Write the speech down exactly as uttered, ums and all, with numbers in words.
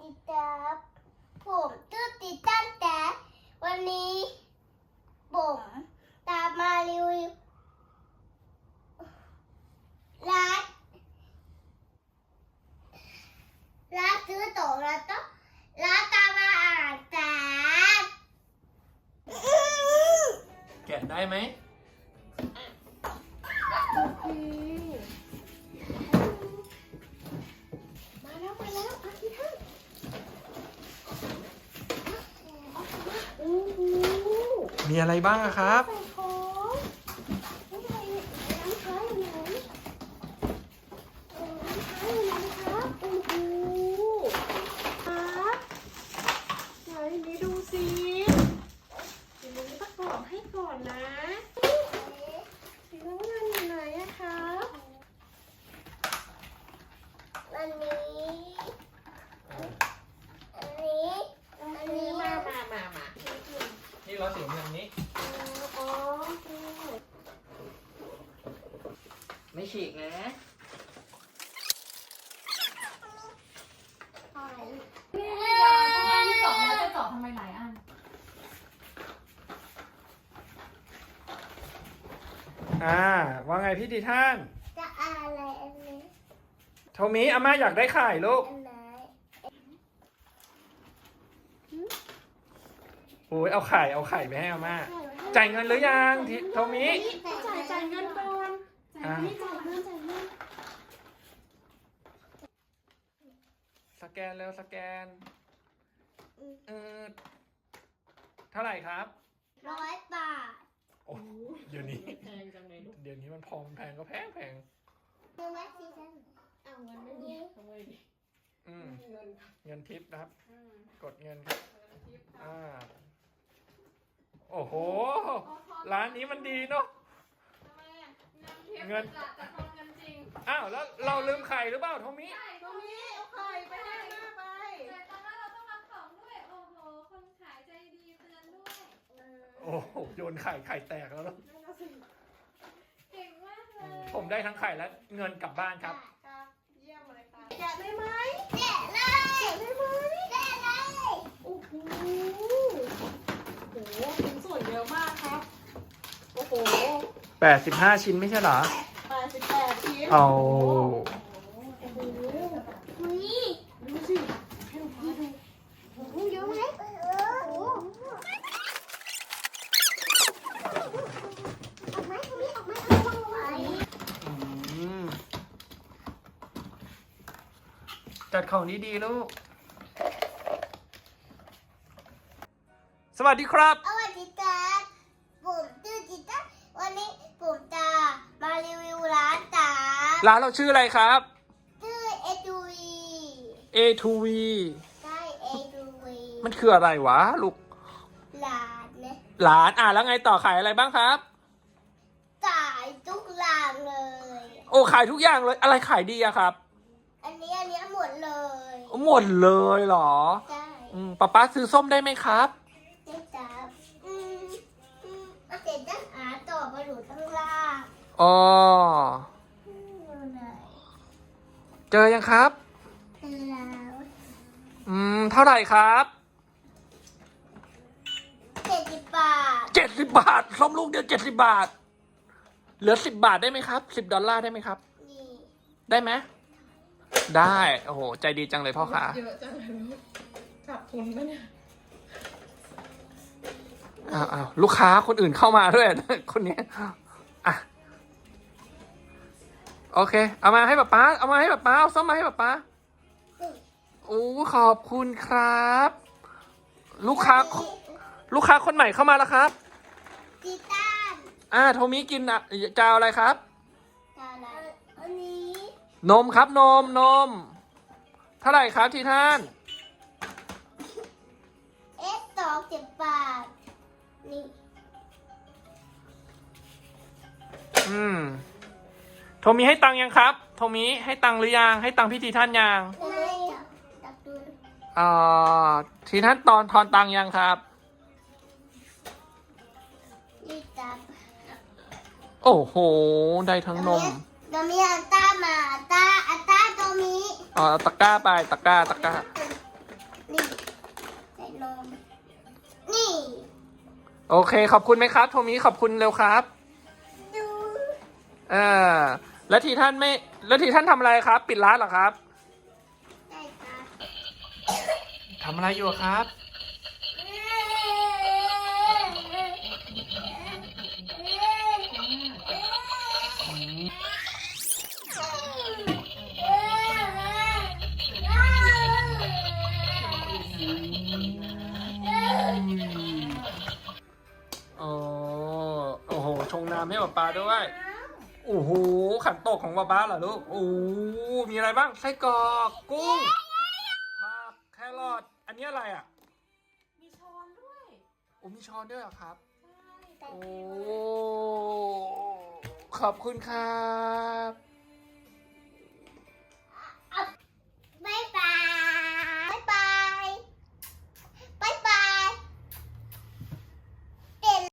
ดีครับผมชื่อติตันแต่วันนี้ผมตามมารีวิวร้านร้านซื้อตั๋วแล้วก็ร้านตามมาอ่านแต่แกะได้ไหมมาแล้วมาแล้วอาทิตย์ท่านโอ้โหมีอะไรบ้างอะครับใส่ของไม่ใช่ร้านค้าอยู่ไหนเออร้านค้าอยู่ไหนครับโอ้โหครับไหนนี่ดูสิเดี๋ยวนี้ประกอบให้ก่อนนะสีน้ำเงินอยู่ไหนอะครับอันนี้อันนี้อันนี้มามามามานี่เราสีเงินนี้อ๋อไม่ฉีกนะนี่ไม่ยาวเพราะว่าที่เจาะแล้วจะเจาะทำไมหลายอันอ่า ว่าไงพี่ดีท่านจะอะไรอันนี้โทมิอาม่าอยากได้ไข่ลูกอันไหนโอ้ยเอาไข่เอาไข่ไปให้อาม่า จ่ายเงินหรือยังทิโทมิจ่ายจ่ายเงินก่อนอ่าจ่ายเงินจ่ายเงินสแกนแล้วสแกนเออเท่าไหร่ครับร้อยบาทโอ้เดี๋ยวนี้แพงจังเลยลูกเดี๋ยวนี้มันพอมแพงก็แพงแพงเงินไว้สิฉันเอาเงินไม่มีทำไมดิอืมเงินเงินทิปนะครับอืมกดเงินครับเงินทิปค่ะอ่า โอ้โห ร้านนี้มันดีเนาะทำไมอ่ะเงินทิปเงินจะจะทอนเงินจริงอ้าวแล้วเราลืมไข่หรือเปล่าโทมิใช่ตรงนี้เอาไข่ไปให้หน้าไปแต่ตอนนั้นเราต้องรับของด้วย โอ้โห คนขายใจดีเตือนด้วยโอ้โหโยนไข่ไข่แตกแล้วเนอะเก่งมากเลยผมได้ทั้งไข่และเงินกลับบ้านครับครับเยี่ยมเลยค่ะแกะได้ไหมแกะเลยแกะได้ไหมแกะเลยโอ้โหโอ้โหชิ้นส่วนเยอะมากครับ โอ้โหแปดสิบห้าชิ้นไม่ใช่เหรอแปดสิบแปดชิ้นเอาโอ้โหอุ้ยดูสิให้ลูกค้าดูโอ้โหเยอะไหมเออโอ้โหออกไหมตรงนี้ออกไหมเอาวางไว้อืมจัดของดีๆลูก สวัสดีครับสวัสดีครับผมชื่อจิตาวันนี้ผมจะมารีวิวร้านตาร้านเราชื่ออะไรครับชื่อเอทูวีเอ ทู วีใช่เอทูวีมันคืออะไรวะลูกร้านเนี่ยร้านอ่ะแล้วไงต่อขายอะไรบ้างครับขายทุกร้านเลยโอ้ขายทุกอย่างเลย อะไรขายดีอะครับอันนี้อันนี้หมดเลยหมดเลยเหรอใช่อืมป๊าป๊าซื้อส้มได้ไหมครับได้จ้าอืมอืมเอาเสร็จด้านอาต่อมาอยู่ข้างล่างอ๋ออืมอยู่ไหนเจอยังครับเจอแล้วอืม เท่าไหร่ครับเจ็ดสิบบาทเจ็ดสิบบาท ส้มลูกเดียวเจ็ดสิบบาท เหลือสิบบาทได้ไหมครับ สิบดอลลาร์ได้ไหมครับนี่ได้ไหม ได้ โอ้โห ใจดีจังเลยพ่อค้าเยอะจังเลยลูกขาดทุนปะเนี่ยอ้าวอ้าวลูกค้าคนอื่นเข้ามาด้วย คนนี้อ่ะ โอเค เอามาให้ป๊าป๊า เอามาให้ป๊าป๊า เอาส้มมาให้ป๊าป๊า โอ้ขอบคุณครับ ลูกค้า ลูกค้าคนใหม่เข้ามาแล้วครับกีต้าร์อ่า โทมิกินอ่ะจะเอาอะไรครับอะไรอันนี้นมครับ นม นม เท่าไหร่ครับทีท่านเอสสองสิบบาท นี่อืม โทมิให้ตังค์ยังครับ โทมิให้ตังค์หรือยัง ให้ตังค์พี่ทีท่านยังไม่จับจับดูอ่าทีท่านตอนทอนตังค์ยังครับนี่จับโอ้โห ได้ทั้งนมตัวมีอันต้ามาอันต้าอันต้าตัวมีอ๋อตะกร้าไป ตะกร้า ตะกร้านมนี่โอเคขอบคุณไหมครับโทมิขอบคุณเร็วครับดูอ่าแล้วทีท่านไม่แล้วทีท่านทำอะไรครับ ปิดร้านเหรอครับได้ครับทำอะไรอยู่อะครับ โอ้โอ้โหชงน้ำให้ป๊าป๊าด้วย โอ้โหขันโตกของป๊าป๊าเหรอลูก โอ้โหมีอะไรบ้าง ไส้กรอกกุ้งผักแครอทอันนี้อะไรอ่ะมีช้อนด้วยโอ้มีช้อนด้วยเหรอครับใช่โอ้ ขอบคุณครับ